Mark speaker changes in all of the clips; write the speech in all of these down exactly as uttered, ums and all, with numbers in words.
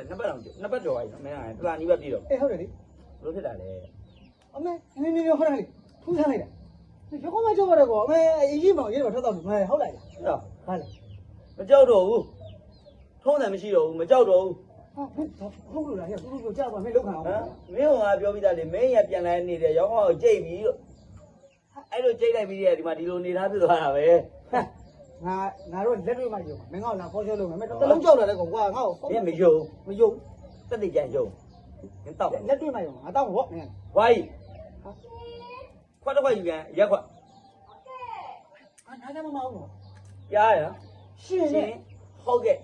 Speaker 1: နှစ်ပတ်တော့နှစ်ပတ်ကျော်ပါပြီနော်မင်းကတလာနီးပဲပြည်တော့
Speaker 2: အေးဟုတ်တယ်လေ
Speaker 1: ဘလို့ဖြစ်တာလဲ
Speaker 2: အမေနင်းနေဟုတ်တယ်လေထူးဆန်းလိုက်တာရုပ်ကမကြောက်ရတော့အမေအေးကြီးမောင်ရေးတော့ထွက်တော့မယ်ဟုတ်လိုက်လား
Speaker 1: ဟုတ်
Speaker 2: ဟာလေ
Speaker 1: မကြောက်တော့ဘူးထုံးတယ်မရှိတော့ဘူးမကြောက်တော့ဘူး
Speaker 2: ဟာဟုတ်လို့လားဟဲ့ဘူးဘူးကြောက်ပါမင်းလောက်ခံအောင်
Speaker 1: ဟမ်မင်းကငါပြောပြီးသားလေမင်းရပြန်လာနေတယ်ရောင်းအောင်ကြိတ်ပြီးတော့အဲ့လိုကြိတ်လိုက်ပြီးတဲ့ဒီမှာဒီလိုနေသားဖြစ်သွားတာပဲ
Speaker 2: ငါငါတို့လက်တွေ့မှယုံမင်းကလာဖော်ရှောလုပ်မယ်မင်းတလုံးကြောက်လာတဲ့ကောင်ကွာငါ့ကို
Speaker 1: မင်းမယုံ
Speaker 2: မယုံ
Speaker 1: တက်တိကြယုံမင်းတောက်
Speaker 2: လက်တွေ့မှယုံငါတောက်ဘောမင်း
Speaker 1: ဝိုင်းခွက်တော့ခွက်ယူပြန်ရက်ခွက်
Speaker 2: ဟာနားကြမမအောင်တော့
Speaker 1: ကြားရ
Speaker 2: ရှင်းနေ
Speaker 1: ဟုတ်ကဲ့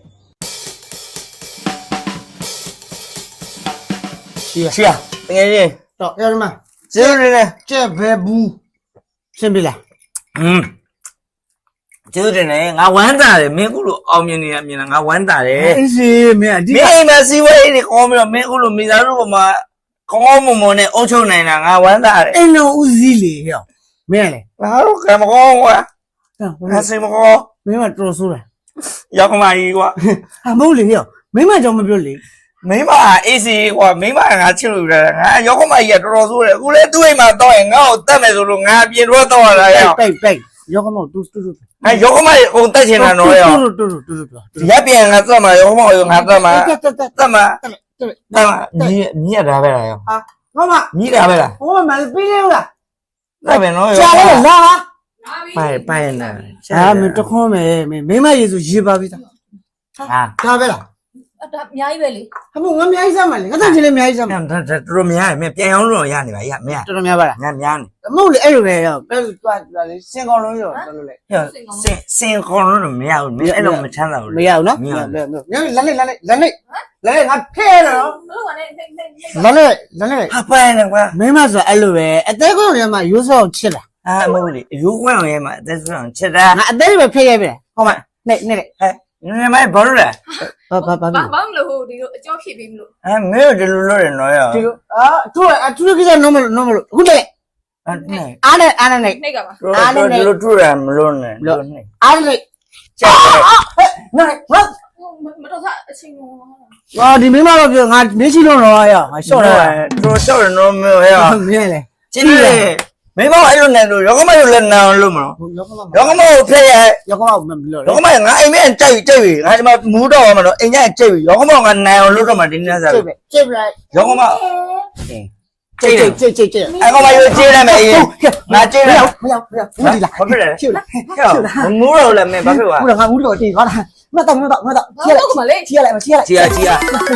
Speaker 3: ရှီယာရှီယာတကယ်ကြီး
Speaker 2: တော့အဲ့ဒီမှာ
Speaker 3: ကျေးဇူးတင်တယ်
Speaker 2: ကျက်ဘဲဘူးရှင်းပြီလား
Speaker 3: อืมကျေးဇူးတင်တယ်ငါဝမ်းသာတယ်မင်းခုလိုအောင်မြင်နေရမြင်တာငါဝမ်းသာတယ်
Speaker 2: အေးစီမင်းအဒီ
Speaker 3: မင်းအိမ်မှာစီဝေးနေကောင်းပြီးတော့မင်းခုလိုမိသားစုပေါ်မှာကောင်းမွန်မွန်နဲ့အုပ်ချုပ်နိုင်တာငါဝမ်းသာတယ်
Speaker 2: အိမ်တော်ဦးစီးလေဟဲ့မင်းလေ
Speaker 3: ငါတို့ကံမကောင်းကွာငါစိတ်မကောင်း
Speaker 2: မင်းကတော်ဆိုးတယ်
Speaker 3: ရောက်ကမကြီးကွာ
Speaker 2: ဟာမဟုတ်လေဟဲ့မင်းမကြောင်မပြောလေ
Speaker 3: မိမအေးစီကွာမိမငါချစ်လို့ရတယ်ငါရောက်ကမကြီးကတော်တော်ဆိုးတယ်အခုလဲသူ့အိမ်မှာတော့ရင်ငါ့ကိုတတ်မယ်ဆိုလို့ငါပြင်တော့တော့ရတာရော
Speaker 2: ပိတ်ပိတ်ရောက်ကမတူတူတူ
Speaker 3: အဲရောက်ကမကြီးအကုန်တက်ချင်တာတော့ရော
Speaker 2: တူတူတူတူ
Speaker 3: ရပ်ပြန်ငါတက်မှာရောက်ကမကြီးငါတက်မှာ
Speaker 2: တက်တက်
Speaker 3: တက်မှာတက်မှာမြည်မြည်တာပဲလားရော
Speaker 2: ဟာမမ
Speaker 3: မြည်တာပဲလား
Speaker 2: ဟိုမှာပြီးလေလား
Speaker 3: တက်မယ်နော်
Speaker 2: ရောကြာလာဟာ
Speaker 3: ပိုင်ပိုင်နာ
Speaker 2: ဟာမင်းတခွန်းမယ်မင်းမိမရေဆိုရေးပါပြီသားဟာဒါပဲလား
Speaker 4: အတာအများကြီးပဲလေ
Speaker 2: ဟာမငါအများကြီးစမ်းပါလေငါတန့်ချင်လေအများကြီးစမ်းပါ
Speaker 3: တော်တော်များရမင်းပြန်အောင်လို့ရနေပါရမင်း
Speaker 2: တော်တော်များပါလား
Speaker 3: ငါများနေ
Speaker 2: မဟုတ်လေအဲ့လိုပဲရောပဲသွားသွားလေစင်ကောင်လုံးရောတော်လို့လေ
Speaker 3: စင်စင်ကောင်းလို့မရဘူးမင်းအဲ့လိုမချမ်းသာဘူး
Speaker 2: မရဘူးနော်မရဘူးညလက်လက်လက်လက်လက်လက်လက်ငါဖဲတော့
Speaker 4: ဘလို့ကလည်းနေနေ
Speaker 2: လက်လက်လက်လက်
Speaker 3: ဟာပိုင်နေကွာ
Speaker 2: မင်းမဆိုအဲ့လိုပဲအသေးကောင်တွေမှာရိုးစောချစ်လာ
Speaker 3: အာမဟုတ်လေရိုးကွန်းရဲမှာအသက်ဆုံးချစ်တာ
Speaker 2: ငါအသေးပဲဖဲရဲပြီဟုတ်မနေနေလေ
Speaker 3: ဟဲ့နေမဘာလို့လဲ
Speaker 2: ဘာဘာဘာ
Speaker 4: ဘာဘာမလို့ဟိုဒီလိုအကျော်ဖြည့်ပေးမလို့
Speaker 3: အဲမင်းတို့ဒီလိုလုပ်ရနော်ရော
Speaker 2: ဒီလိုအာသူအသူကိစ္စနော်မလို့နော်မလို့အခုလေ
Speaker 3: အဲ့နဲ့
Speaker 2: အားနဲ့အားနဲ့နေ
Speaker 4: နှိတ်ကပါ
Speaker 3: အားနဲ့ဒီလိုထူရမလို့နဲ့လို့နှိတ်
Speaker 2: အားနဲ့
Speaker 3: ကျက်တယ်
Speaker 2: နော်ဟော
Speaker 4: မတော်သားအချင်းရော
Speaker 2: ဟာဒီမင်းမတော့ပြောငါမေးချီလို့တော့ရငါရှော့တော့
Speaker 3: တော်ရှော့ရနော်မင်းဟဲ့
Speaker 2: မင်းလေ
Speaker 3: ကျင်းတယ်မင်းမအဲ့လိုနဲ့လို့ရောကမလို့လည်းနာလို့မလို့ရောကမကိုဖက်ရ
Speaker 2: ရောကမမလို့
Speaker 3: ရောကမငါအိမ်မဲကြိုက်ကြိုက်ပြီငါဒီမှာမူးတော့မှာတော့အိမ်ကျကြိုက်ပြီရောကမကနိုင်အောင်လုပ်တော့မှဒီနေ့စား
Speaker 2: ကြိုက်ကြိုက်လိုက်
Speaker 3: ရောကမ
Speaker 2: ကြိတ်ကြိတ်ကြိတ်ကြိတ်ကြိတ်
Speaker 3: အဲ့ကောင်မရိုးကြေးလိုက်မယ်အေးငါကြေးလိုက်
Speaker 2: မရောက်မရောက်ဘူးဒီလား
Speaker 3: ဘာဖြစ်လဲ
Speaker 2: ချစ်လား
Speaker 3: မမူးတော့လည်းမင်းဘာဖြစ်သွား
Speaker 2: ဘူးလားငါဘူးတော့တေးဟာလားမတော့မတော့မတော့ချစ်လိုက်
Speaker 4: မလေး
Speaker 2: ချစ်လိုက်မချစ်လိုက်
Speaker 3: ချီယာချီယာ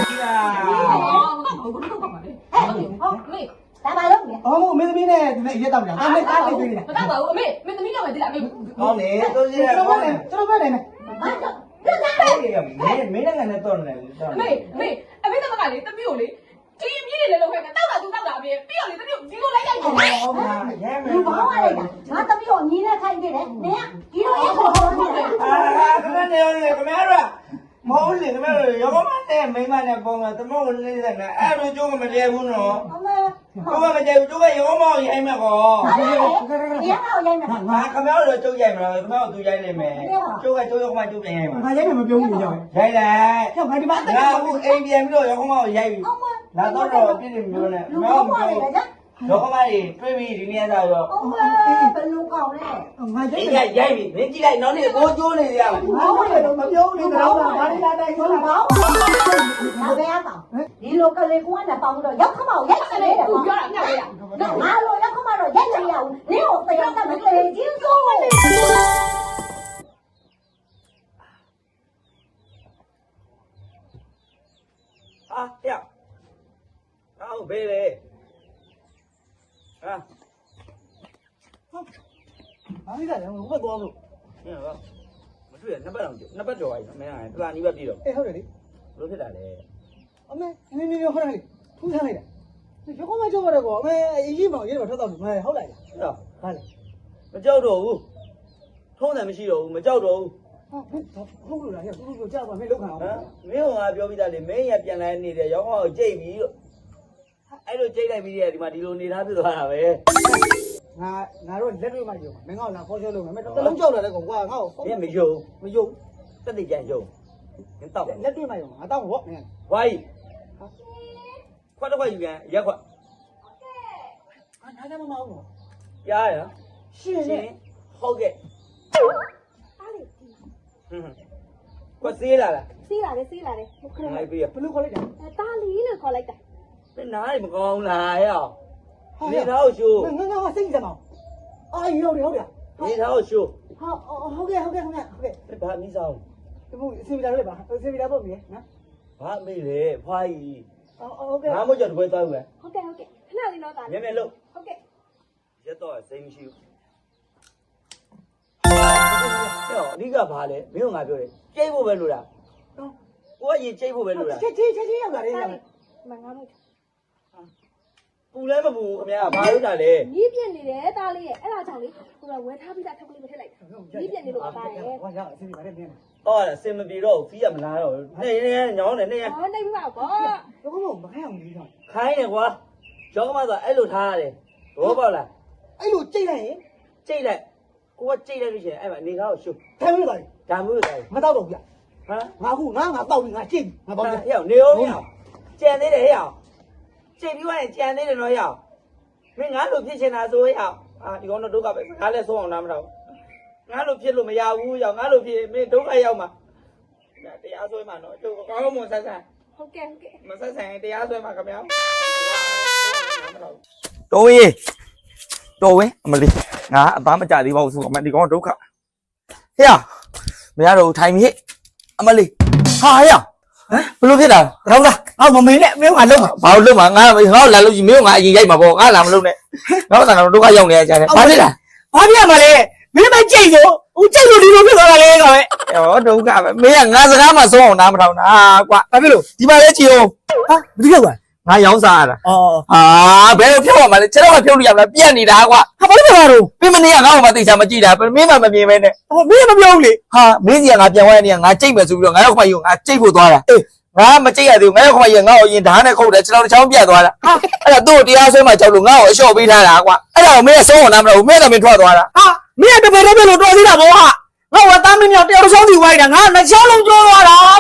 Speaker 4: ဟုတ်မေ
Speaker 2: ဒါပါလို့အော်မင်းသမီးနဲ့ဒီနေ့ရက်တော့မလားဒါနဲ့တားနေပြီလား
Speaker 4: မတော့ပါဘူးအမေမင်းသမီးတော့ပဲဒီလားမေ
Speaker 3: ဟောနေတို့ကြီးရ
Speaker 2: ကျွန်တော်ပဲကျွန်တော်ပဲနေမယ်
Speaker 3: မင်းမင်းနဲ့နဲ့တော့နေတယ်
Speaker 4: အမေအမေအမေတော့ကလေသမီးကိုလေဒီအမြင့်တွေလည်းလောက်ခဲ့တာတောက်တာသူတောက်တာအပြင်ပြီးတော့လေသမီးကိုဒီလိုလိုက်ရိုက်တယ်
Speaker 3: ဟောပါရဲမယ်
Speaker 5: ဒီဘောင်းလိုက်တာငါသမီးကိုညီနဲ့ခိုင်းနေတယ်နင်ကဒီလိုရက်ခေါ်ခေါ်နေတယ်
Speaker 3: အာခမနေလေခမရမဟုတ်လေခမရရောကမနဲ့မိမနဲ့ပုံကသမုတ်လေးစနဲ့အဲ့လိုကျုံးမတည့်ဘူးနော်
Speaker 5: အမေ
Speaker 3: ကျုံးမတည့်ဘူးကျုံးကရောမောင်ရိုက်မယ်ကော
Speaker 5: ဒီကတော့ရိုက်မယ်
Speaker 3: ငါခမရတော့ကျုပ်ရိုက်မလားခမရသူရိုက်လိမ့်မယ်ကျုပ်ကကျုပ်ရောကမကျုပ်ပြန်ရိုက်မှာ
Speaker 2: ငါရိုက်မယ်မပြောဘူးကြောက်
Speaker 3: ရိုက်လိုက်
Speaker 2: ကြောက်ငါဒီမှာ
Speaker 3: ငါအခုအိမ်ပြန်ပြီးတော့ရောကမောင်ရိုက်ပြီလာတော့တော့ပြည့်နေမျိုးနဲ့
Speaker 5: လူဘောင်းလိုက်တာ
Speaker 3: ရောကမကြီးတွေးပြီးဒီနေ့စားရော
Speaker 5: အမေဘယ်လိုကောင်းလဲ
Speaker 2: ငါ
Speaker 3: ရိုက်ရိုက်ရိုက်ပြီမင်းကြည့်လိုက်နောက်နေ့ကိုကျိုးနေရမှာ
Speaker 2: ဘောင်းလိုက်တော့မပြောဘူးလေတော့ဘာလဲလာတိုင်းဆို
Speaker 5: ဘောင်းဒါပဲအကောင်ဒီလိုကလေးကွန်းနဲ့ပေါင်းတော့ရောက်ခမောက်ရိုက်နေတယ်
Speaker 4: သူပြောတာညရ
Speaker 5: နော်ငါလိုရောက်ခမောက်တော့ရိုက်နေရအောင်နင်းကိုတရားကမကလေးချင်းစိုး
Speaker 3: ဟာဟဲ့အော်ဘေးလေဟာ
Speaker 2: ဘာလဲလဲဘယ်သွားလို့
Speaker 1: ဟင်ဟောမတွေ့ရနှစ်ပတ်တော့နှစ်ပတ်ကျော်ပါပြီနော်မင်းကတလာနီးပဲပြည်တော့
Speaker 2: အေးဟုတ်တယ်လေ
Speaker 1: ဘလို့ဖြစ်တာလဲ
Speaker 2: အမေနင်းနေဟုတ်တယ်လေထူးဆန်းလိုက်တာရုပ်ကမကြောက်ရတော့အမေအေးကြီးမောင်ရေးတော့ထွက်တော့မယ်ဟုတ်လိုက်လား
Speaker 1: ဟုတ်
Speaker 2: ဟာလေ
Speaker 1: မကြောက်တော့ဘူးထုံးတယ်မရှိတော့ဘူးမကြောက်တော့ဘူး
Speaker 2: ဟာဟုတ်လို့လားဟဲ့ဘူးဘူးကြောက်ပါမင်းလောက်ခံအောင်
Speaker 1: ဟမ်မင်းကငါပြောပြီးသားလေမင်းရပြန်လာနေတယ်ရောင်းအောင်ကြိတ်ပြီးတော့အဲ့လိုကြိတ်လိုက်ပြီးတဲ့ဒီမှာဒီလိုနေသားဖြစ်သွားတာပဲ
Speaker 2: ငါငါတို့လက်တွေ့မှယုံမင်းကလာဖော်ရှောလုပ်မယ်မင်းတလုံးကြောက်လာတဲ့ကောင်ကွာငါ့ကို
Speaker 1: မင်းမယုံ
Speaker 2: မယုံ
Speaker 1: တက်တိကြယုံမင်းတောက်
Speaker 2: လက်တွေ့မှယုံငါတောက်ဘောမင်း
Speaker 1: ဝိုင်းခွက်တစ်ခွက်ယူကန်ရက်ခွက်
Speaker 2: အာနားကြမမအောင်တော့
Speaker 1: ရားရ
Speaker 2: ရှင်
Speaker 1: ရှ
Speaker 2: နဲ့
Speaker 1: င်ဟုတ်ကဲ့
Speaker 6: အားလေ
Speaker 1: ခွက်သေးလာလား
Speaker 6: စီးလာတယ်စီးလာတယ်ဟုတ်ကဲ့
Speaker 1: နိုင်ပြီရ
Speaker 2: ဘလို့ခေါ်လိုက်တာ
Speaker 6: အဲတာလီလို့ခေါ်လိုက်တာ
Speaker 1: မင်းနားမကောင်းလားဟဲ့နေသားကိုရှိုး
Speaker 2: ငါငါငါစိတ်ကြမအောင်အာရောတယ်ဟုတ်တယ်
Speaker 1: နေသားကိုရှိုး
Speaker 2: ဟာဟုတ်ကဲ့ဟုတ်ကဲ့ဟုတ်ကဲ့ဟုတ်ကဲ့
Speaker 1: ဘာမိစား
Speaker 2: ဒီမို့အစီအမီလာလေးပါအစီအမီလာပေါ့မြေနော်
Speaker 1: ဘာမေးလေဖွာကြီး
Speaker 2: ဟုတ်ကဲ့
Speaker 1: ငါမို့ကြော်တပွဲသွားဦးမယ်
Speaker 6: ဟုတ်ကဲ့ဟုတ်ကဲ့ခဏလေးတော့တာ
Speaker 1: မြဲမြဲလို့
Speaker 6: ဟုတ်ကဲ့
Speaker 1: ရက်တော့စိတ်မရှိဘူးဟဲ့အဓိကဘာလဲမင်းကငါပြောတယ်ကြိတ်ဖို့ပဲလို့လားကိုကရင်ကြိတ်ဖို့ပဲလို့လား
Speaker 2: ချက်ချင်းချက်ချင်းရောက်လာတယ်
Speaker 6: တာ
Speaker 2: ဟာ
Speaker 6: လီမငါမို့
Speaker 1: ပူလဲမပူခင်ဗျာဘာလို့တာလဲ
Speaker 6: နီးပြက်နေတယ်တာလီရဲ့အဲ့ဒါကြောင့်လေဟိုကဝယ်ထားပြီးသားထုတ်ကလေးမထည့်လိုက်နီးပြက်နေလို့ပါပါတယ်
Speaker 2: ဟောရအစီအမီလာလေးမြင်
Speaker 1: ဟောအစင်မပြေတော့ဖီးရမလားတော့နေနေညောင်းနေနေ
Speaker 6: ဟောနေပြီပါဘော
Speaker 2: တော့ဘုံမခိုင်းအောင်ကြီးတော့
Speaker 1: ခိုင်းနေကွာကျောင်းကမှဆိုအဲ့လိုထားရတယ်ဘောပေါက်လား
Speaker 2: အဲ့လိုကြိတ်လိုက်ရင်
Speaker 1: ကြိတ်လိုက်ကိုကကြိတ်လိုက်လို့ရှိရင်အဲ့မှာနေကားကိုရှုပ်
Speaker 2: ထိုင်မလို့ပါ
Speaker 1: ဒါမျိုးလေ
Speaker 2: မတော့တော့ဗျ
Speaker 1: ဟမ်
Speaker 2: ငါခုငါငါတောက်ပြီးငါကြိတ်ငါပေါ့ဗျ
Speaker 1: ဟဲ့နေအောင်ဟဲ့ကြံသေးတယ်ဟဲ့ကြိတ်ပြီးသွားရင်ကြံသေးတယ်နော်ဟဲ့မင်းငါလိုဖြစ်ချင်တာဆိုဟဲ့အာဒီကောင်တော့ဒုက္ခပဲငါလည်းဆုံးအောင်နားမတော့ငါလိုဖြစ်လို့မရဘူးရောက်ငါလိုဖြစ်မင်းဒုက္ခရောက်မှာတရားဆွဲမှာနော်ကျုပ်ကောင်းမွန်ဆက်ဆံ
Speaker 6: ဟုတ်ကဲ့ဟုတ်ကဲ့
Speaker 1: မဆက်ဆံတရားဆွဲမှာခင်ဗျာ
Speaker 3: တော်ရေးတော်ဝင်းအမလေးငါအသားမကြသေးပါဘူးဆိုအမဒီကောင်ဒုက္ခဟေ့မရတော့ထိုင်မြေအမလေးဟာဟေ့ဟမ်ဘလို့ဖြစ်တာ
Speaker 2: တော့လားအော်မမင်းနဲ့မင်းကလုံး
Speaker 3: ဘာလို့လုံးမှာငါငါ့ကိုလာလို့ကြီးမင်းကငါအရင်ရိုက်မှာပေါ့ငါလာမလို့နဲ့ငါ့ဆန်ကတော့ဒုက္ခရောက်နေကြတယ်ဘာဖြစ်လဲ
Speaker 2: ဘာပြမလဲမင်းမကြိတ်ဆိုဦးကြိတ်လို့ဒီလိုဖြစ်သွားတာလေကောင်ပဲ
Speaker 3: ဩဒုက္ခပဲမင်းကငါစကားမှဆုံးအောင်နားမထောင်တာကွာ
Speaker 2: ဘာဖြစ်လို့
Speaker 3: ဒီမှာလဲကြည့်အောင်
Speaker 2: ဟာဘယ်လိုလဲ
Speaker 3: ငါရောင်းစားရတာ
Speaker 2: အော်
Speaker 3: ဟာဘယ်လိုဖြုတ်ရမှာလဲကျွန်တော်ကဖြုတ်လို့ရမလားပြက်နေတာကွာ
Speaker 2: ဟာဘာလို့လဲတော့
Speaker 3: ပြမနေကငါ့ကိုမသိချာမကြည့်တာမင်းမှမမြင်ပဲနဲ့
Speaker 2: ဟိုမင်းမပြောဘူးလေ
Speaker 3: ဟာမင်းစီကငါပြန်သွားတဲ့နေကငါကြိတ်မယ်ဆိုပြီးတော့ငါရောက်ခမကြီးကငါကြိတ်ဖို့သွားတာအေးငါမကြိတ်ရသေးဘူးငါရောက်ခမကြီးကငါ့ကိုရင်ဓာတ်နဲ့ခုတ်တယ်ကျွန်တော်တစ်ချောင်းပြတ်သွားတာဟာအဲ့ဒါသူ့ကိုတရားဆွဲမှကြောက်လို့ငါ့ကိုအလျှော့ပေးထားတာကွာအဲ့ဒါကိုမင်းကဆုံးအောင်နားမလို့မင်းကမင်းထွက်သွားတာ
Speaker 2: ဟာမင်းကတပည့်တပည့်လို့တော်သေးတာဘောဟာငါ့ဝတ်သားမင်းမြောက်တယောက်ဆုံးစီဝိုင်းတာငါနှစ်ချောင်းလုံးကျိုးသွားတာ